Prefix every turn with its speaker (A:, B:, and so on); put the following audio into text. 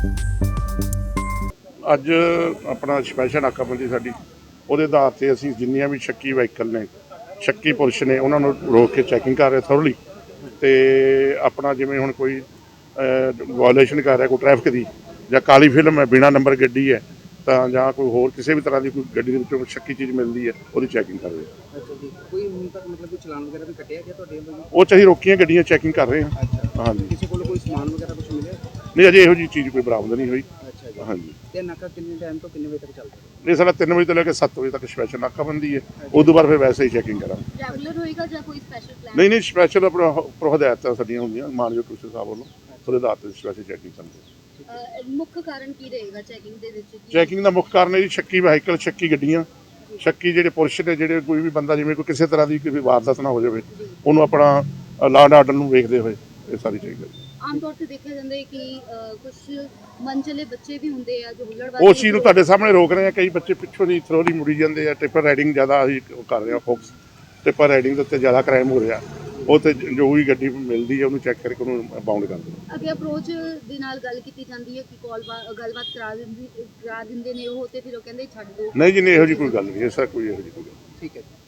A: ਅੱਜ ਆਪਣਾ ਸਪੈਸ਼ਲ ਨਾਕਾਬੰਦੀ ਸਾਡੀ ਉਹਦੇ ਆਧਾਰ 'ਤੇ ਅਸੀਂ ਜਿੰਨੀਆਂ ਵੀ ਸ਼ੱਕੀ ਵਹੀਕਲ ਨੇ, ਸ਼ੱਕੀ ਪੁਰਸ਼ ਨੇ, ਉਹਨਾਂ ਨੂੰ ਰੋਕ ਕੇ ਚੈਕਿੰਗ ਕਰ ਰਹੇ ਥੋਰਲੀ। ਤੇ ਆਪਣਾ ਜਿਵੇਂ ਹੁਣ ਕੋਈ ਵਾਇਓਲੇਸ਼ਨ ਕਰ ਰਿਹਾ ਕੋਈ ਟ੍ਰੈਫਿਕ ਦੀ, ਜਾਂ ਕਾਲੀ ਫਿਲਮ ਹੈ, ਬਿਨਾ ਨੰਬਰ ਗੱਡੀ ਹੈ, ਤਾਂ ਜਾਂ ਕੋਈ ਹੋਰ ਕਿਸੇ ਵੀ ਤਰ੍ਹਾਂ ਦੀ ਕੋਈ ਗੱਡੀ ਦੇ ਵਿੱਚੋਂ ਸ਼ੱਕੀ ਚੀਜ਼ ਮਿਲਦੀ ਹੈ, ਉਹਦੀ ਚੈਕਿੰਗ ਕਰ ਰਹੇ ਹਾਂ।
B: ਅੱਛਾ ਜੀ, ਕੋਈ ਹੁਣ ਤੱਕ ਮਤਲਬ ਕੋਈ ਚਲਾਨ ਵਗੈਰਾ ਵੀ ਕੱਟਿਆ ਗਿਆ ਤੁਹਾਡੇ ਵੱਲੋਂ?
A: ਉਹ 'ਚ ਅਸੀਂ ਰੋਕੀਆਂ ਗੱਡੀਆਂ ਚੈਕਿੰਗ ਕਰ ਰਹੇ ਹਾਂ।
B: ਅੱਛਾ,
A: ਹਾਂਜੀ।
B: ਕਿਸੇ ਕੋਲ ਕੋਈ ਸਮਾਨ ਵਗੈਰਾ ਕੁਝ ਮਿਲਿਆ?
A: ਨਹੀਂ, ਅਜੇ ਇਹੋ ਜਿਹੀ ਚੀਜ਼ ਕੋਈ ਬਰਾਮਦ ਨਹੀਂ ਹੋਈ।
B: ਅੱਛਾ ਜੀ।
A: ਹਾਂਜੀ।
B: ਤੇ ਨਾਕਾ ਕਿੰਨੇ ਟਾਈਮ ਤੋਂ ਕਿੰਨੇ ਵਜੇ ਤੱਕ ਚੱਲਦਾ ਹੈ?
A: ਇਹ ਸਾਡਾ 3 ਵਜੇ ਤੋਂ ਲੈ ਕੇ 7 ਵਜੇ ਤੱਕ ਸਪੈਸ਼ਲ ਨਾਕਾਬੰਦੀ ਹੈ। ਉਸ ਤੋਂ ਬਾਅਦ ਫਿਰ ਵੈਸੇ ਹੀ ਚੈਕਿੰਗ ਕਰਾਂਗੇ।
C: ਰੈਗੂਲਰ ਹੋਏਗਾ ਜਾਂ ਕੋਈ ਸਪੈਸ਼ਲ ਪਲਾਨ?
A: ਨਹੀਂ, ਸਪੈਸ਼ਲ ਆਪਣਾ ਉੱਪਰੋਂ ਹਦਾਇਤਾਂ ਸਾਡੀਆਂ ਹੁੰਦੀਆਂ ਮਾਨਯੋਗ ਕਮਿਸ਼ਨਰ ਸਾਹਿਬ ਵੱਲੋਂ, ਉਹਦੇ ਆਧਾਰ 'ਤੇ ਸਪੈਸ਼ਲ ਚੈਕਿੰਗ ਕਰਦੇ।
C: ਮੁੱਖ ਕਾਰਨ ਕੀ ਰਹੇਗਾ ਚੈਕਿੰਗ ਦੇ ਵਿੱਚ?
A: ਚੈਕਿੰਗ ਦਾ ਮੁੱਖ ਕਾਰਨ ਹੈ ਜੀ ਸ਼ੱਕੀ ਵਹੀਕਲ, ਸ਼ੱਕੀ ਗੱਡੀਆਂ, ਸ਼ੱਕੀ ਜਿਹੜੇ ਪੁਰਸ਼ ਨੇ, ਜਿਹੜੇ ਕੋਈ ਵੀ ਬੰਦਾ ਜਿਵੇਂ ਕੋਈ ਕਿਸੇ ਤਰ੍ਹਾਂ ਦੀ ਕੋਈ ਵਾਰਦਾਤ ਨਾ ਹੋ ਜਾਵੇ, ਉਹਨੂੰ ਆਪਣਾ ਲਾਅ ਐਂਡ ਆਰਡਰ ਨੂੰ ਵੇਖਦੇ ਹੋਏ ਇਹ ਸਾਰੀ ਚਾਹੀਦਾ।
C: ਆਮ ਤੌਰ ਤੇ ਦੇਖਿਆ ਜਾਂਦਾ ਹੈ ਕਿ ਕੁਝ ਮਨਚਲੇ ਬੱਚੇ ਵੀ ਹੁੰਦੇ ਆ ਜੋ ਹੁੱਲੜਬਾਜ਼ੀ,
A: ਉਸ ਚੀਜ਼ ਨੂੰ ਤੁਹਾਡੇ ਸਾਹਮਣੇ ਰੋਕ ਰਹੇ ਆ। ਕਈ ਬੱਚੇ ਪਿੱਛੋਂ ਦੀ ਥਰੋਲੀ ਮੁੜੀ ਜਾਂਦੇ ਆ। ਟਿੱਪਰ ਰਾਈਡਿੰਗ ਜ਼ਿਆਦਾ ਅਸੀਂ ਕਰ ਰਹੇ ਹਾਂ ਫੋਕਸ। ਟਿੱਪਰ ਰਾਈਡਿੰਗ ਦੇ ਉੱਤੇ ਜ਼ਿਆਦਾ ਕ੍ਰਾਈਮ ਹੋ ਰਿਹਾ। ਉਹ ਤੇ ਜੋ ਵੀ ਗੱਡੀ ਮਿਲਦੀ ਹੈ ਉਹਨੂੰ ਚੈੱਕ ਕਰਕੇ ਉਹਨੂੰ ਬਾਉਂਡ ਕਰਦੇ ਆ।
C: ਅੱਗੇ ਅਪਰੋਚ ਦੇ ਨਾਲ ਗੱਲ ਕੀਤੀ ਜਾਂਦੀ ਹੈ ਕਿ ਗੱਲਬਾਤ ਕਰਾ ਦਿੰਦੇ ਨੇ ਉਹ, ਤੇ ਫਿਰ ਉਹ ਕਹਿੰਦੇ ਛੱਡ ਦਿਓ।
A: ਨਹੀਂ ਜੀ, ਨਹੀਂ, ਇਹੋ ਜਿਹੀ ਕੋਈ ਗੱਲ ਨਹੀਂ। ਐਸਾ ਕੋਈ ਇਹੋ ਜਿਹੀ ਕੋਈ ਗੱਲ ਨਹੀਂ।
B: ਠੀਕ ਹੈ ਜੀ।